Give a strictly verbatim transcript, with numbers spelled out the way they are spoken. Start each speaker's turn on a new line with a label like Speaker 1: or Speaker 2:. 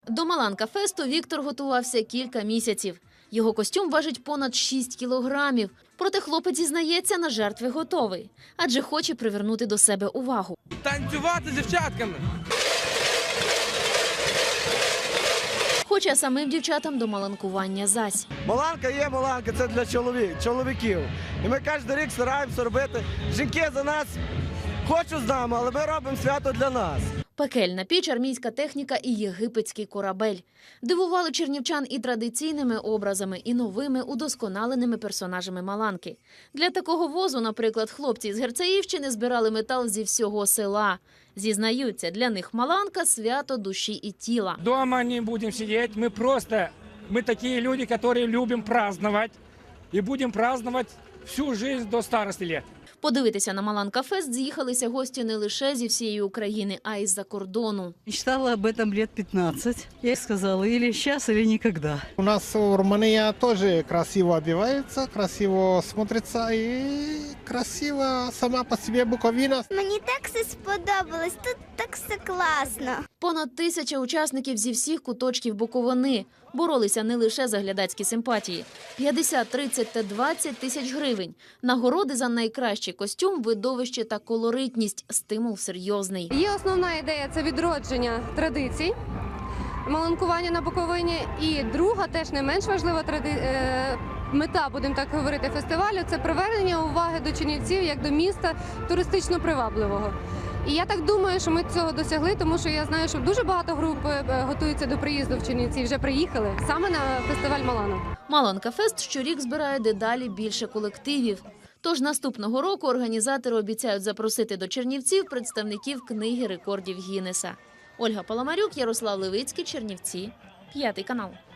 Speaker 1: До Маланка-фесту Віктор готувався кілька місяців. Його костюм важить понад шість кілограмів. Проте хлопець зізнається, на жертви готовий. Адже хоче привернути до себе увагу.
Speaker 2: Танцювати з дівчатками.
Speaker 1: Хоча самим дівчатам до маланкування зась.
Speaker 3: Маланка є маланка, це для чоловік, чоловіків. І ми кожен рік стараємося робити. Жінки за нас хочуть з нами, але ми робимо свято для нас.
Speaker 1: Пекельна піч, армійська техніка і єгипетський корабель. Дивували чернівчан і традиційними образами, і новими удосконаленими персонажами Маланки. Для такого возу, наприклад, хлопці з Герцеївщини збирали метал зі всього села. Зізнаються, для них Маланка – свято душі і тіла.
Speaker 4: Дома не будем сидеть, мы просто, мы такие люди, которые любим праздновать. И будем праздновать всю жизнь до старости лет.
Speaker 1: Подивитися на Маланка-фест з'їхалися гості не лише зі всієї України, а й з-за кордону.
Speaker 5: Мечтала об этом лет пятнадцать. Я сказала, или сейчас, или никогда.
Speaker 6: У нас в Румынии тоже красиво одевается, красиво смотрится и красиво сама по себе Буковина.
Speaker 7: Мені так все сподобалось, тут так все класно.
Speaker 1: Понад тисяча учасників зі всіх куточків Буковини боролися не лише за глядацькі симпатії. п'ятдесят, тридцять та двадцять тисяч гривень. Нагороди за найкращий костюм, видовище та колоритність. Стимул серйозний.
Speaker 8: Є основна ідея – це відродження традицій, маланкування на Буковині. І друга, теж не менш важлива тради... е... мета, будемо так говорити, фестивалю – це привернення уваги до Чернівців як до міста туристично привабливого. І я так думаю, що ми цього досягли, тому що я знаю, що дуже багато груп готуються до приїзду в Чернівці, вже приїхали саме на фестиваль Маланок.
Speaker 1: Маланка-фест щорік збирає дедалі більше колективів. Тож наступного року організатори обіцяють запросити до Чернівців представників книги рекордів Гіннеса. Ольга Паламарюк, Ярослав Левицький, Чернівці, п'ятий канал.